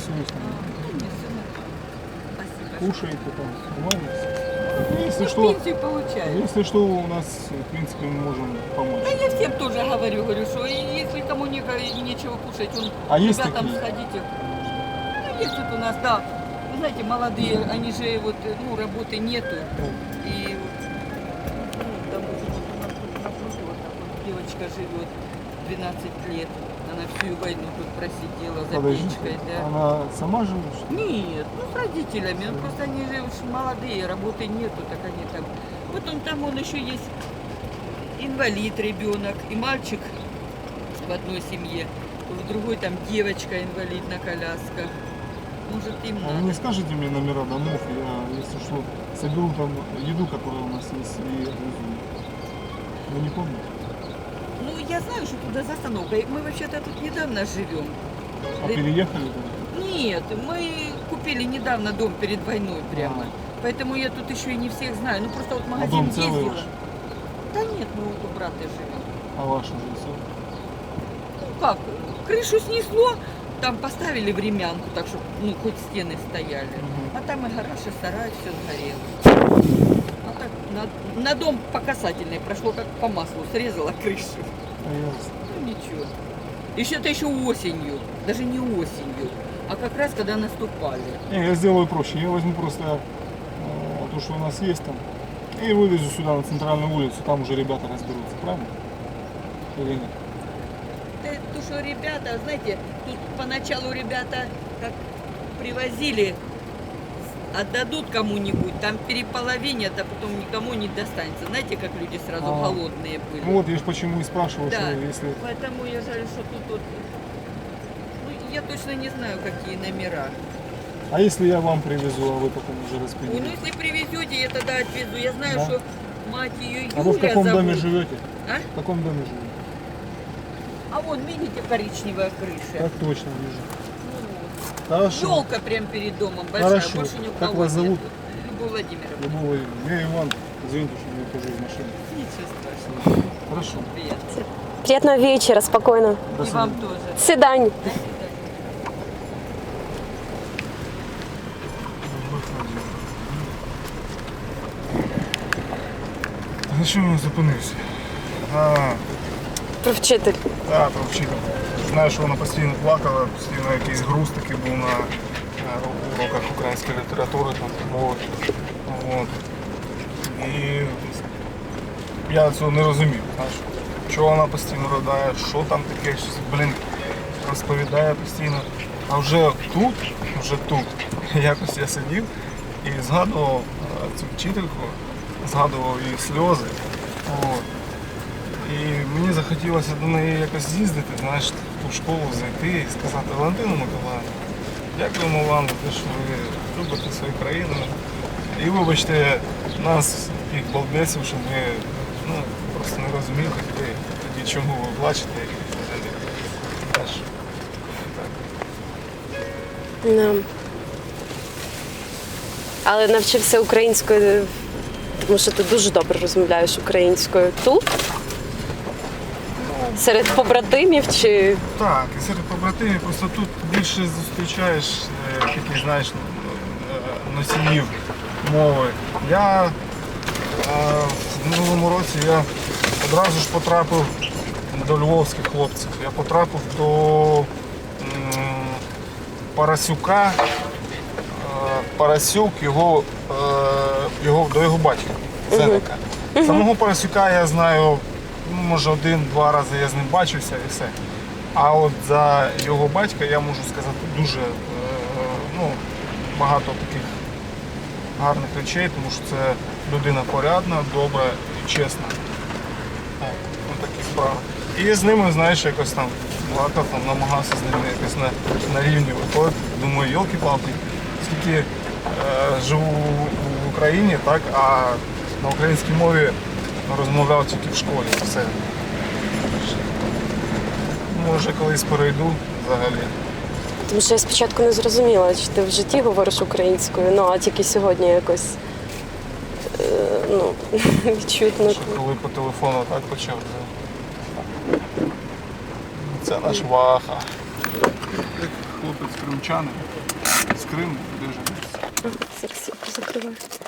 интересуюсь. Не сильно. Спасибо. Кушаете там, нормально? Если Ну, что, пенсию получаю. если что, у нас, в принципе, мы можем помочь. Да я всем тоже говорю, что если кому и нечего кушать, А есть ребятам такие? сходите. Ну, есть тут у нас, да. Вы знаете, молодые, они же вот, ну, работы нету. И ну, там вот у нас тут напротив вот так вот девочка живет 12 лет. Она всю войну тут просидела за Подождите, печкой, да. она сама живет, что ли? Нет, ну с родителями, ну просто они же уж молодые, работы нету, так они там. Вот он там, он еще есть инвалид ребенок, и мальчик в одной семье, в другой там девочка инвалид на колясках. Может им А вы надо. не скажете мне номера домов, я, если что, соберу там еду, которая у нас есть, и отвезу. Вы не помните? Ну я знаю, что туда застановка. И мы вообще-то тут недавно живем. А Да- переехали там? Нет, мы купили недавно дом перед войной прямо. А. Поэтому я тут еще и не всех знаю. Ну просто вот в А магазин дом целый ездила. ваш? Да нет, мы вот у брата живем. А ваш уже все? Ну как, крышу снесло, там поставили времянку, так что ну хоть стены стояли. Мгм. А там и гараж, и сарай, все сгорело. А так на дом по касательной прошло как по маслу, срезала крышу. Ясно. Ну ничего. Еще-то еще осенью, даже не осенью, а как раз когда наступали. Не, я сделаю проще. Я возьму просто то, что у нас есть там, и вывезу сюда на центральную улицу. Там уже ребята разберутся, правильно? Или нет? Да, то, что ребята, знаете, тут поначалу ребята как привозили, отдадут кому-нибудь, там переполовинят, а потом никому не достанется. Знаете, как люди сразу А. голодные были. Ну вот я же почему и спрашиваю, Да, что если... поэтому я жаль, что тут вот... Ну, я точно не знаю, какие номера. А если я вам привезу, а вы потом уже Ой, ну распределите? если привезете, я тогда отвезу. Я знаю, Да. что мать ее Юля А вы в каком зовут. доме живете? А? В каком доме живете? А вон, видите, коричневая крыша. Как точно вижу. Ну, Хорошо. елка прям перед домом большая, Хорошо. больше ни у Как кого вас зовут? нет. Любовь Владимировна. Любовь Владимировна. Я Иван. Извините, что я хожу из машины. Ничего страшного. Хорошо. Приятно. Приятного вечера, спокойно. До И свидания. вам тоже. До свидания. До свидания. На чому я зупинився? Про вчитель. Так, про вчителя. Знаю, що вона постійно плакала, постійно якийсь груз такий був на уроках української літератури, там, мови. От. І я цього не розумів. Знаєш, чого вона постійно ридає, що там таке, щось, розповідає постійно. А вже тут, якось я сидів і згадував цю вчительку, згадував її сльози. От. І мені захотілося до неї якось з'їздити, знаєш, в ту школу зайти і сказати: Валентину Миколаївну, дякуємо вам за те, що ви любите свою країну. І вибачте нас, таких балбесів, що ми просто не розуміли тоді, чому ви плачете і взагалі. Знаєш, так. Да. Але навчився українською, тому що ти дуже добре розмовляєш українською тут. Серед побратимів чи Так, і серед побратимів просто тут більше зустрічаєш таких, знаєш, носіїв мови. Я в минулому році я одразу ж потрапив до львовських хлопців. Я потрапив до Парасюка. Парасюк, до його батька, Зеника. Самого Парасюка я знаю, може один-два рази я з ним бачився і все. А от за його батька я можу сказати дуже багато таких гарних речей, тому що це людина порядна, добра і чесна. Ось такі справи. І з ними, знаєш, якось там плакав, намагався з ними якось на рівні виходити. Думаю, йолки-палки, скільки живу в Україні, так, а на українській мові розмовляв тільки в школі. Все. Може, колись перейду взагалі. тому що я спочатку не зрозуміла, чи ти в житті говориш українською, ну а тільки сьогодні якось відчутно. Що коли по телефону так почав. Це наш Ваха. Як хлопець кримчанин з Криму, біженець. Зараз я позакриваю.